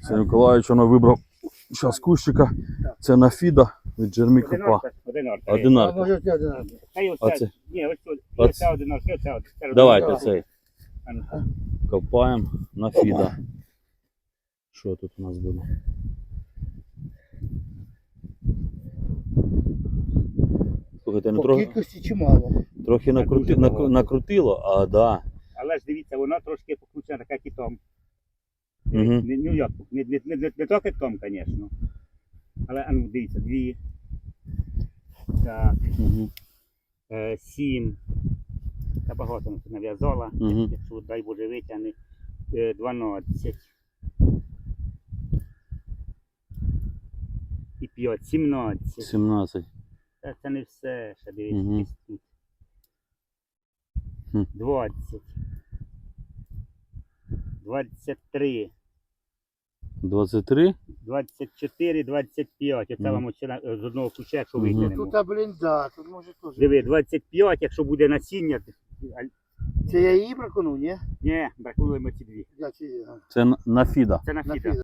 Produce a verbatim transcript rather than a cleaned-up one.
Це Миколаївич воно вибрав зараз кущика. Це на фіда від Джермі Копа. Одинарка. А Одинарка. може це один. А це? Ні, ось тут. Оце. Оце одинарка, оце одинарка. Давайте цей. А ну. Копаємо на фіда. Що тут у нас буде? Слухайте, ну По трохи, кількості чимало. трохи накрути, накру- накрутило, а да. Але ж дивіться, вона трошки покручена така китом. Угу. Не, ну як, не, не, не, не, не то китком, звісно. Але, а ну, дивіться, дві. Так, Угу. е, сім. Та багато нав'язала. Угу. Якщо, дай Боже, витягне. Е, дванадцять. І п'ять, сімнадцять. сімнадцять. Та це не все, ще дивіться, Мгм. десь тут. Хм. двадцять. двадцять три. двадцять три? двадцять чотири, двадцять п'ять. Оце Мгм. вам оце на- з одного ключа, якщо Мгм. витягнемо. Тут, а, блін, да, тут може теж. Диви, двадцять п'ять, якщо буде насіння. а- Це я її бракону, ні? Ні, бракуємо ці дві. Я чи... Це на- на фіда. Це на На фіда. фіда.